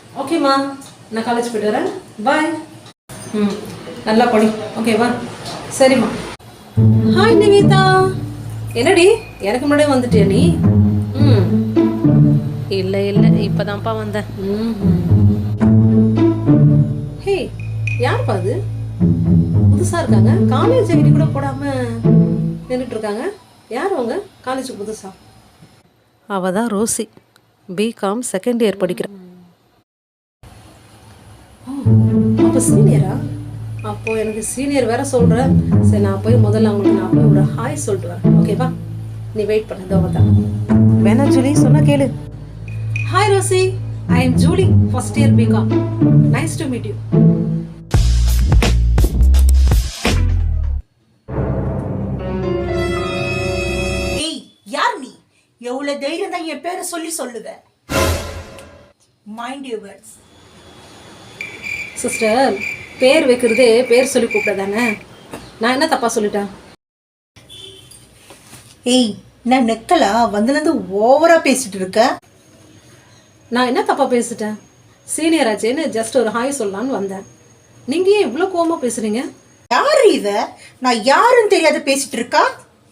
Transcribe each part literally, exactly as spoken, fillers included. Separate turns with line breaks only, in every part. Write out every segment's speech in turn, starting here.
ஓகேம்மா, நான் காலேஜ் போய்ட்டு வரேன். பாய். ம், நல்லா படி. ஓகேவா? சரிம்மா. ஹாய் நிவேதா. என்னடி எனக்கு முன்னாடியே வந்துட்டியா நீ? ம்
இல்லை இல்லை இப்போ தான்ப்பா வந்தேன்.
ம் ஹே, யாருப்பா அது? புதுசாக இருக்காங்க. காலேஜ் ஐடி கூட போடாமல் நின்றுட்டு இருக்காங்க. யார் அவங்க? காலேஜுக்கு புதுசா?
அவள் தான் ரோசி, பிகாம் செகண்ட் இயர் படிக்கிறேன்.
அப்போ சீனியரா? அப்போ எனக்கு சீனியர் வேற சொல்கிறேன். சரி, நான் போய் முதல்ல அவங்களுக்கு நான் போய் ஒரு ஹாய் சொல்லிட்டு வரேன். ஓகேவா? நீ வெயிட் பண்ண. இதோ தான்
வேணா ஜூலி, சொன்னா கேளு.
Hi Rosie, I am Julie, first year BCom. Nice to meet you.
ஏய், யார் நீ? எவ்வளவு தைரியம் தான் என் பேரை சொல்லி சொல்லுவ? Mind your words.
சிஸ்டர், பேர் வைக்கிறதே பேர் சொல்லி கூப்பிட்டதானே. நான் என்ன தப்பா சொல்லிட்டேன்?
ஏய், நான் நெக்கலா வந்ததுலேருந்து ஓவரா பேசிட்டு இருக்க.
நான் என்ன தப்பா பேசிட்டேன்? சீனியர் ஆச்சேன்னு ஜஸ்ட் ஒரு ஹாய் சொல்லலான்னு வந்தேன். நீங்க ஏன் இவ்வளோ கோவமா பேசுறீங்க?
யாரு இவ? நான் யாருன்னு தெரியாத பேசிட்டு இருக்கா.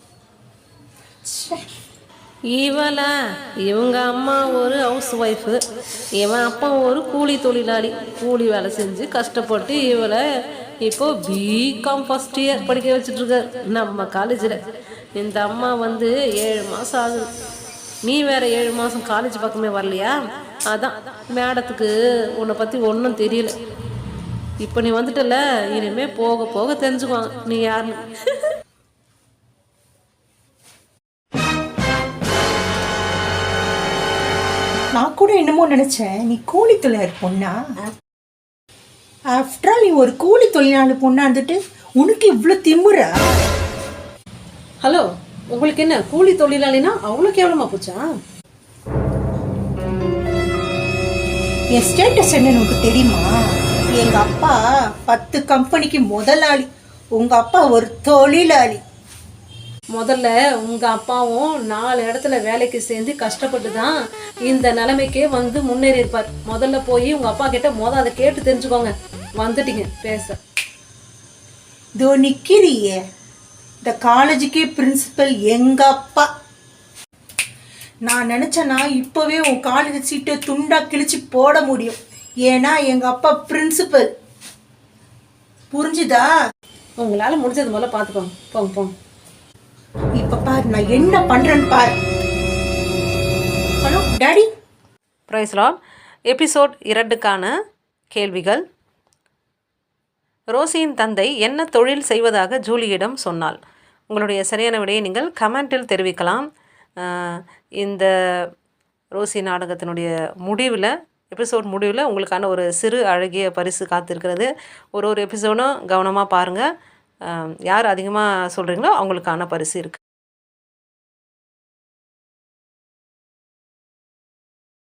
இவள இவங்க அம்மா ஒரு ஹவுஸ் ஒய்ஃபு, இவன் அப்பா ஒரு கூலி தொழிலாளி. கூலி வேலை செஞ்சு கஷ்டப்பட்டு இவளை இப்போ பிகாம் ஃபர்ஸ்ட் இயர் படிக்க வச்சுட்ருக்கார் நம்ம காலேஜில். இந்த அம்மா வந்து ஏழு மாதம் ஆகுது. நீ வேற ஏழு மாதம் காலேஜ் பக்கமே வரலையா? அதான் மேடத்துக்கு உன்னை பற்றி ஒன்றும் தெரியல. இப்போ நீ வந்துட்டல, இனிமேல் போக போக தெரிஞ்சுக்குவாங்க நீ யாருன்னு.
நான் கூட என்னமோ நினைச்சேன் நீ கூலி தொழிலாளி பொண்ணா. ஆஃப்டர் ஆல் நீ ஒரு கூலி தொழிலாளி பொண்ணா இருந்துட்டு உனக்கு இவ்வளோ திமுறா?
ஹலோ, உங்களுக்கு என்ன கூலி தொழிலாளினா அவ்வளோ கேவலமா போச்சா?
என் ஸ்டேட்டஸ் என்னன்னு உனக்கு தெரியுமா? எங்க அப்பா பத்து கம்பெனிக்கு முதலாளி, உங்க அப்பா ஒரு தொழிலாளி.
முதல்ல உங்க அப்பாவும் நாலு இடத்துல வேலைக்கு சேர்ந்து கஷ்டப்பட்டு தான் இந்த நிலைமைக்கே வந்து முன்னேறி இருப்பார். முதல்ல போய் உங்க அப்பா கிட்ட முதல் அதை கேட்டு தெரிஞ்சுக்கோங்க. வந்துட்டீங்க பேச.
இதோ நிக்கிறியே, இந்த காலேஜுக்கே பிரின்சிபல் எங்க அப்பா. நான் நினைச்சேன்னா இப்பவே உன் காலேஜ் சீட்டை துண்டா கிழிச்சு போட முடியும். ஏன்னா எங்க அப்பா பிரின்சிபல். புரிஞ்சுதா?
உங்களால முடிஞ்சது முதல்ல பார்த்துக்கோங்க. போங்க போங்க.
இப்ப பாரு நான் என்ன பண்றேன்னு பாரு. Hello daddy.
Praise lord. Episode இரண்டுக்கான கேள்விகள். ரோசியின் தந்தை என்ன தொழில் செய்வதாக ஜூலியிடம் சொன்னாள்? உங்களுடைய சரியான விடையை நீங்கள் கமெண்டில் தெரிவிக்கலாம். இந்த ரோசி நாடகத்தினுடைய முடிவில், எபிசோட் முடிவில் உங்களுக்கான ஒரு சிறு அழகிய பரிசு காத்திருக்கிறது. ஒரு ஒரு எபிசோடும் கவனமாக பாருங்கள். யார் அதிகமாக சொல்கிறீங்களோ அவங்களுக்கான பரிசு இருக்குது.